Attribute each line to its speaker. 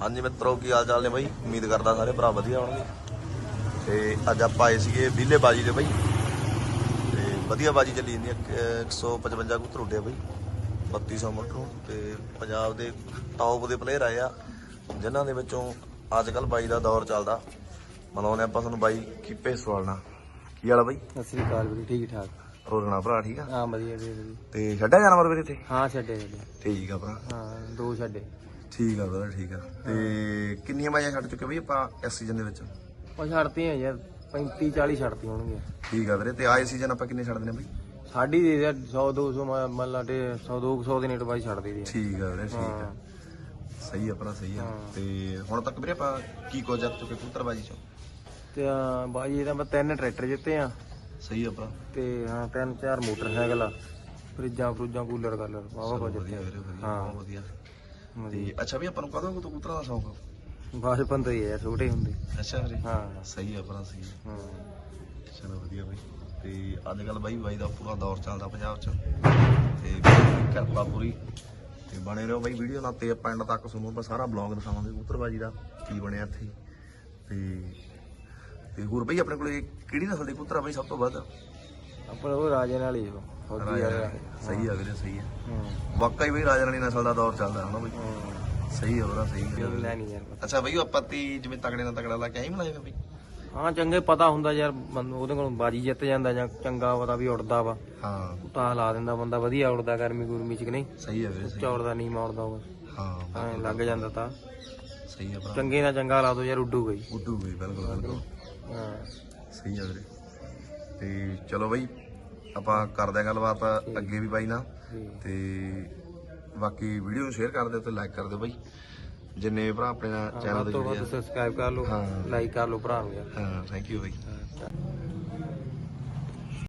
Speaker 1: हाँ जी मित्रों की हाल चाल ने बई। उम्मीद करता सारे भरा वधिया होणगे। ते अज आपां आए सीगे विले बाजी दे बई ते वधिया बाजी चली जांदी है। 155 कबूतर उड्डे बई 3200 मटरों ते पंजाब दे टॉप दे प्लेयर आए आ जिन्हां दे विचों अजकल बाई दा दौर चलदा। मनाउने आपां तुहानूं बाई कीपे सवालना की हाल आ बई?
Speaker 2: सत श्री अकाल ਵੀਰੇ ठीक ठाक।
Speaker 1: रोलना भरा ठीक आ?
Speaker 2: ਹਾਂ ਵਧੀਆ ਵੀਰੇ।
Speaker 1: ते छड्डਿਆ जानवर ਵੀਰੇ ਇੱਥੇ?
Speaker 2: ਹਾਂ ਛੱਡੇ
Speaker 1: ठीक आ भरा।
Speaker 2: ਹਾਂ ਦੋ ਛੱਡੇ।
Speaker 1: ठीक आ brother ठीक आ। ते किन्नियां बाजियां छड्ड चुके बई आपां इस सीजन दे विच?
Speaker 2: ਉਹ ਛੱਡਤੀਆਂ ਯਾਰ 35 40 ਛੱਡਤੀ ਹੋਣਗੀਆਂ।
Speaker 1: ठीक आ वीरे। ते आए सीजन आपां किन्ने छड्ड देने बई?
Speaker 2: ਸਾਡੀ ਦੇ ਯਾਰ 100 200 ਮੰਨ ਲਾ ਤੇ 100 200 ਦੇ ਨੇਟ ਬਾਈ ਛੱਡ ਦੇ ਦੀ।
Speaker 1: ठीक आ वीरे ठीक आ। सही आ भरा सही आ। ते हुण तक वीरे आपां की कुछ जित चुके कबूतरबाजी चों?
Speaker 2: ਤੇ ਬਾਈ ਇਹਦਾ ਮੈਂ 3 ਟਰੈਕਟਰ ਜਿੱਤੇ ਆ
Speaker 1: सही आ भरा।
Speaker 2: ਤੇ ਹਾਂ 3-4 ਮੋਟਰਸਾਈਕਲ ਆ ਫਰਿੱਜਾਂ ਫਰੂਜਾਂ ਕੂਲਰ ਕਾਲਰ ਵਾਵਾ ਕੁਝ
Speaker 1: ਵਧੀਆ ਵੀਰੇ ਵਧੀਆ
Speaker 2: ਹਾਂ।
Speaker 1: ਬਹੁਤ ਵਧੀਆ। ਤੇ ਅੱਛਾ ਵੀ ਆਪਾਂ ਨੂੰ ਕਦੋਂ ਤੋਂ ਕਬੂਤਰਾਂ ਦਾ ਸ਼ੌਂਕ?
Speaker 2: ਬਚਪਨ ਤੋਂ ਹੀ ਆ ਯਾਰ ਛੋਟੇ ਹੁੰਦੇ।
Speaker 1: ਅੱਛਾ ਵੀਰੇ
Speaker 2: ਹਾਂ
Speaker 1: ਸਹੀ ਆ ਭਰਾ ਸਹੀ ਆ।
Speaker 2: ਹਾਂ
Speaker 1: ਚਲੋ ਵਧੀਆ ਬਈ। ਤੇ ਅੱਜ ਕੱਲ ਬਾਈ ਦਾ ਪੂਰਾ ਦੌਰ ਚੱਲਦਾ ਪੰਜਾਬ 'ਚ ਤੇ ਕਿਰਪਾ ਪੂਰੀ ਤੇ ਬਣੇ ਰਹੋ ਬਾਈ ਵੀਡੀਓ ਨਾਲ ਤੇ ਆਪਾਂ ਐਂਡ ਤੱਕ ਸੁਣੋ। ਆਪਾਂ ਸਾਰਾ ਬਲੌਗ ਦਿਖਾਵਾਂਗੇ ਕਬੂਤਰਬਾਜੀ ਦਾ ਕੀ ਬਣਿਆ ਇੱਥੇ। ਤੇ ਹੋਰ ਬਈ ਆਪਣੇ ਕੋਲੇ ਕਿਹੜੀ ਨਸਲ ਦੇ ਕਬੂਤਰ ਆ ਬਈ ਸਭ ਤੋਂ ਵੱਧ?
Speaker 2: ਆਪਣਾ ਉਹ ਰਾਜੇ ਨਾਲ ਹੀ ਫੌਜੀ ਵਾਲਾ।
Speaker 1: ਸਹੀ ਆ ਵੀਰੇ ਸਹੀ ਆ।
Speaker 2: ਹਾਂ
Speaker 1: ਵਾਕਈ ਬਈ ਰਾਜਾ ਰਾਣੀ ਨਸਲ ਦਾ ਦੌਰ ਚੱਲਦਾ ਹਨਾ ਬਈ? ਸਹੀ ਆ ਉਹਦਾ ਸਹੀ ਆ।
Speaker 2: ਲੈ ਨਹੀਂ ਯਾਰ ਪਤਾ।
Speaker 1: ਅੱਛਾ ਬਈ ਉਹ ਆਪਾਂ ਤੀ ਜਿਵੇਂ ਤਗੜੇ ਨਾਲ ਤਗੜਾ ਲਾ ਕੇ ਆਈ ਮਲਾਏਗਾ ਬਈ?
Speaker 2: ਹਾਂ ਚੰਗੇ ਪਤਾ ਹੁੰਦਾ ਯਾਰ ਉਹਦੇ ਕੋਲ ਬਾਜੀ ਜਿੱਤ ਜਾਂਦਾ ਜਾਂ ਚੰਗਾ ਪਤਾ ਵੀ ਉੜਦਾ ਵਾ
Speaker 1: ਹਾਂ
Speaker 2: ਤਾਂ ਲਾ ਦਿੰਦਾ ਬੰਦਾ ਵਧੀਆ ਉੜਦਾ ਗਰਮੀ ਗੁਰਮੀ ਚ ਕਿ ਨਹੀਂ
Speaker 1: ਸਹੀ ਆ ਵੀਰੇ ਸਹੀ
Speaker 2: ਚੌੜਦਾ ਨਹੀਂ ਮੌੜਦਾ ਉਹ
Speaker 1: ਹਾਂ
Speaker 2: ਐਂ ਲੱਗ ਜਾਂਦਾ ਤਾਂ
Speaker 1: ਸਹੀ ਆ ਭਰਾ।
Speaker 2: ਚੰਗੇ ਨਾਲ ਚੰਗਾ ਲਾ ਦੋ ਯਾਰ ਉੱਡੂ ਗਈ।
Speaker 1: ਉੱਡੂ ਬਈ ਬਿਲਕੁਲ ਬਿਲਕੁਲ
Speaker 2: ਹਾਂ
Speaker 1: ਸਹੀ ਆ ਵੀਰੇ। ਤੇ ਚਲੋ ਬਈ ਆਪਾਂ ਕਰਦੇ ਆ ਗੱਲਬਾਤ ਅੱਗੇ ਵੀ ਬਾਈ ਨਾਲ। ਤੇ ਬਾਕੀ ਵੀਡੀਓ ਨੂੰ ਸ਼ੇਅਰ ਕਰ ਦਿਓ ਤੇ ਲਾਈਕ ਕਰ ਦਿਓ ਬਾਈ ਜਿੰਨੇ ਭਰਾ ਆਪਣੇ ਨਾਲ ਚੈਨਲ
Speaker 2: ਵੱਧ
Speaker 1: ਤੇ
Speaker 2: ਤੋਂ
Speaker 1: ਜੁੜੇ
Speaker 2: ਵੱਧ
Speaker 1: ਆ।
Speaker 2: ਸਬਸਕ੍ਰਾਈਬ ਕਰ ਲਓ
Speaker 1: ਹਾਂ
Speaker 2: ਲਾਈਕ ਕਰ ਲਓ ਭਰਾ ਨੂੰ ਯਾਰ।
Speaker 1: ਹਾਂ ਥੈਂਕ ਯੂ ਬਾਈ।